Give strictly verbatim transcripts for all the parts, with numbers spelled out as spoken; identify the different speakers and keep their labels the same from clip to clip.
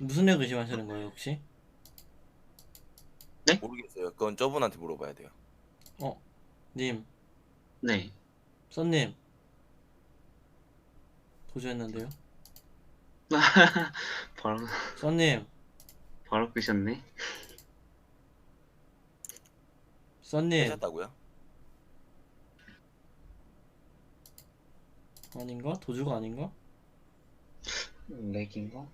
Speaker 1: 무슨 애 의심하시는 거예요 혹시?
Speaker 2: 네?
Speaker 3: 모르겠어요. 그건 저분한테 물어봐야 돼요.
Speaker 1: 어? 님,
Speaker 2: 네.
Speaker 1: 썬님 도주했는데요?
Speaker 2: 바로
Speaker 1: 썬님,
Speaker 2: 바로 끄셨네.
Speaker 1: 썬님
Speaker 3: 하셨다고요?
Speaker 1: 아닌가? 도주가 아닌가?
Speaker 2: 렉인가?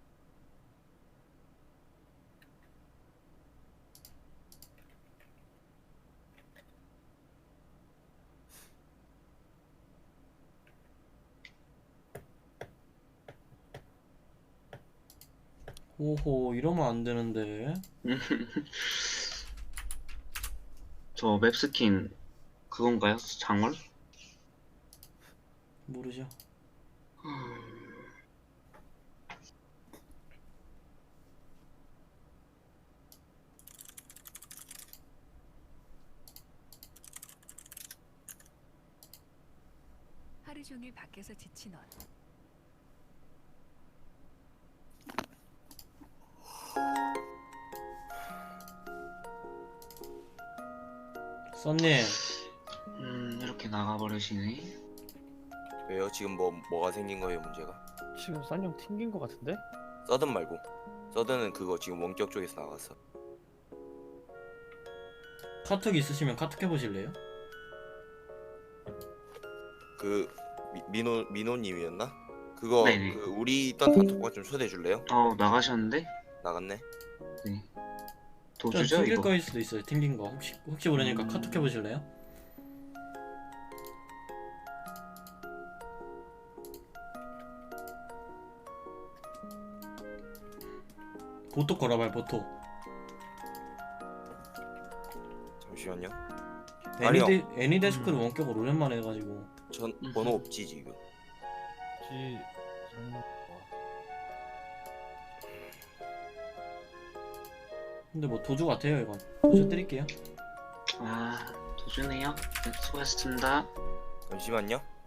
Speaker 1: 오호 이러면 안 되는데.
Speaker 2: 저 맵스킨 그건가요? 장월?
Speaker 1: 모르죠.
Speaker 4: 하루 종일 밖에서 지친 넌
Speaker 1: 썬님
Speaker 2: 음 이렇게 나가버리시네.
Speaker 3: 왜요? 지금 뭐 뭐가 생긴 거예요 문제가?
Speaker 5: 지금 싼형 튕긴 거 같은데?
Speaker 3: 서든 말고. 서든은 그거 지금 원격 쪽에서 나갔어.
Speaker 1: 카톡 있으시면 카톡 해보실래요?
Speaker 3: 그 미, 민호 민호님이었나? 그거
Speaker 2: 네네.
Speaker 3: 그 우리 있던 단톡방 좀 초대해 줄래요?
Speaker 2: 어 나가셨는데?
Speaker 3: 나갔네.
Speaker 2: 네.
Speaker 1: 좀
Speaker 2: 도주죠
Speaker 1: 튕길
Speaker 2: 이거?
Speaker 1: 거일 수도 있어요. 튕긴 거 혹시 혹시 모르니까
Speaker 2: 음.
Speaker 1: 카톡 해보실래요? 보톡 걸어봐요 보톡.
Speaker 3: 잠시만요. 아니요.
Speaker 1: 애니데, 애니데스크를
Speaker 5: 음.
Speaker 1: 원격으로 오랜만에 해가지고.
Speaker 3: 전
Speaker 2: 음흠.
Speaker 3: 번호 없지 지금.
Speaker 5: 지 음,
Speaker 1: 근데 뭐 도주 같아요 이건. 도주 드릴게요.
Speaker 2: 아 도주네요. 네, 수고하셨습니다.
Speaker 3: 잠시만요.